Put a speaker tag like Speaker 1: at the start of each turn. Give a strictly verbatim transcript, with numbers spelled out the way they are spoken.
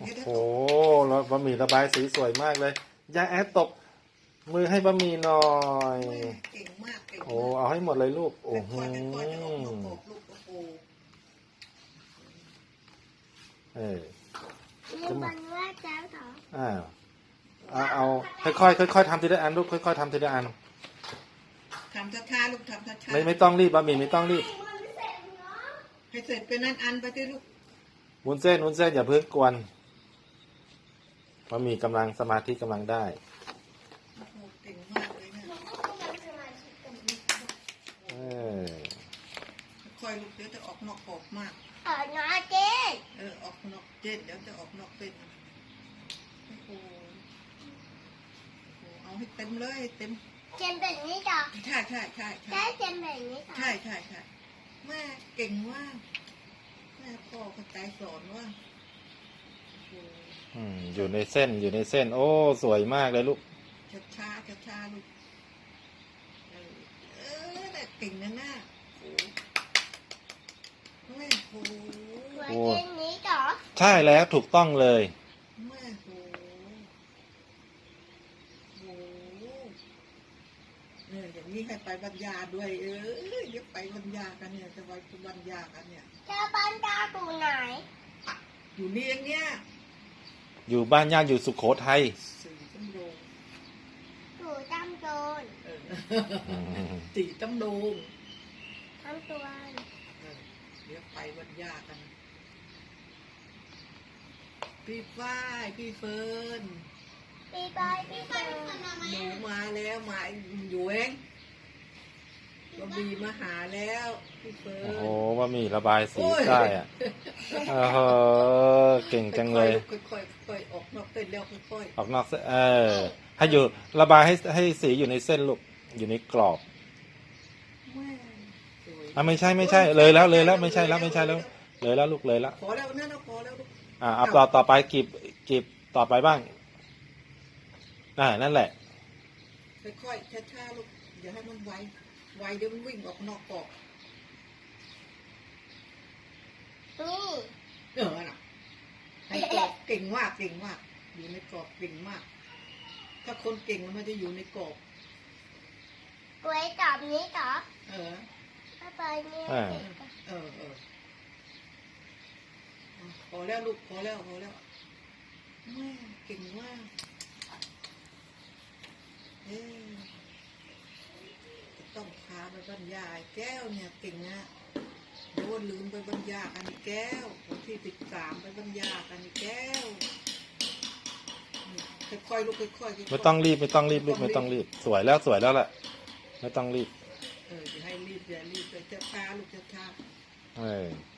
Speaker 1: โอ้โหแล้วบะหมี่ระบายสีสวยมากเลยยายแอดตบมือให้บะหมี่หน่อย
Speaker 2: เก่งมากเก่งมาก
Speaker 1: โอ้เอาให้หมดเลยลูกโอ้โหเออ
Speaker 3: จะมันว่าเจ้าต่อ
Speaker 1: อ่าเอาเอาค่อยๆค่อยๆทำทีละอันลูกค่อยๆทำทีละอัน
Speaker 2: ทำช้าๆลูกทำช้าๆ
Speaker 1: ไม่ไม่ต้องรีบบะหมี่ไม่ต้องรีบ
Speaker 2: ให้เสร็จเป็นนั้นอันไปที่ลูก
Speaker 1: วุ้นเส้นวุ้นเส้นอย่าเพิ่งกวนบะหมี่กำลังสมาธิกำลังได้
Speaker 2: เก่งมากเลยเนี่ย
Speaker 1: เออ
Speaker 2: ค่อยลูกเดี๋ยวจะออกนอกกรอบมาก
Speaker 3: ออกนอกเจ๊
Speaker 2: เออออกนอกเจ็ดเดี๋ยวจะออกนอกเป็นโอ้โหเอาให้เต็มเลยเต็ม
Speaker 3: เจมแบบนี้ต่อ
Speaker 2: ใช่ใช่ใช่
Speaker 3: ใช่เจมแบบนี้ต่อ
Speaker 2: ใช่ใช่ใช่แม่เก่งมากแม่พ่อเข้าใจสอนว่า
Speaker 1: อืมอยู่ในเส้นอยู่ในเส้นโอ้สวยมากเลยลูก
Speaker 2: ช้าช้าช้าช้าลูกเออเออแต่เก่งนะน่าโอ้แม่โห
Speaker 3: โอ้เจมนี้ต่อ
Speaker 1: ใช่แล้วถูกต้องเลย
Speaker 2: แม่โหโหเนี่ยอย่างนี้ให้ไปบรรยาด้วยเออเดี๋ยวไปบรรยากันเนี่ยจะไปบรรยากันเนี่ย
Speaker 3: จะบรรยาอยู่ไหน
Speaker 2: อยู่นี่เองเนี่ย
Speaker 1: อยู่บ้านญาติอยู่สุโขทัย
Speaker 2: สี่ตำโดง
Speaker 3: อยู่ตำโดน
Speaker 2: สี่ตำโดง
Speaker 3: ทำตัว
Speaker 2: เดี๋ยวไปบรรยากันพี่ฝ้ายพี่เฟิร์น
Speaker 3: พี่บอยพี่เฟิร์น
Speaker 2: หนูมาแล้วมาอยู่เองบะหมี่มาหาแล้วพี่เฟิร์น
Speaker 1: โอ้โหบะหมี่ระบายสีได้อ่ะเออเก่งจังเลย
Speaker 2: ค่อยๆค่อยๆออกนอกเส้นแล้วค่อย
Speaker 1: ๆออกนอกเส้นเออให้อยู่ระบายให้ให้สีอยู่ในเส้นลูกอยู่ในกรอบอ่ะไม่ใช่ไม่ใช่เลยแล้วเลยแล้วไม่ใช่แล้วไม่ใช่แล้วเลยแล้วลูกเลยแล้ว
Speaker 2: พอแล้วนั่นพอแล้วลูก
Speaker 1: อ่าเอาต่อต่อไปกีบกีบต่อไปบ้างอ่านั่นแหละ
Speaker 2: ค่อยๆช้าๆลูกอย่าให้มันไวไวเดี๋ยวมันวิ่งออกนอกกรอบ
Speaker 3: นี่
Speaker 2: เออน่ะในกรอบเก่งมากเก่งมากอยู่ในกรอบเก่งมากถ้าคนเก่งมันจะอยู่ในกรอบ
Speaker 3: กล้วยตอบนี้ต่อ
Speaker 2: เออ
Speaker 3: ไปนี่
Speaker 2: เออเออเออพอแล้วลูกพอแล้วพอแล้วแม่เก่งมากเออต้องพาไปบรรยายแก้วเนี่ยเก่งนะโดนลืมไปบรรยายกันแก้ววันที่สิบสามไปบรรยายกันแก้วค่อยๆลูกค่อยๆ
Speaker 1: ไม่ต้องรีบไม่ต้องรีบลูกไม่ต้องรีบสวยแล้วสวยแล้วแหละไม่ต้องรีบ
Speaker 2: เออจะให้รีบอย่ารีบจะช้าลูกจะช้า
Speaker 1: เออ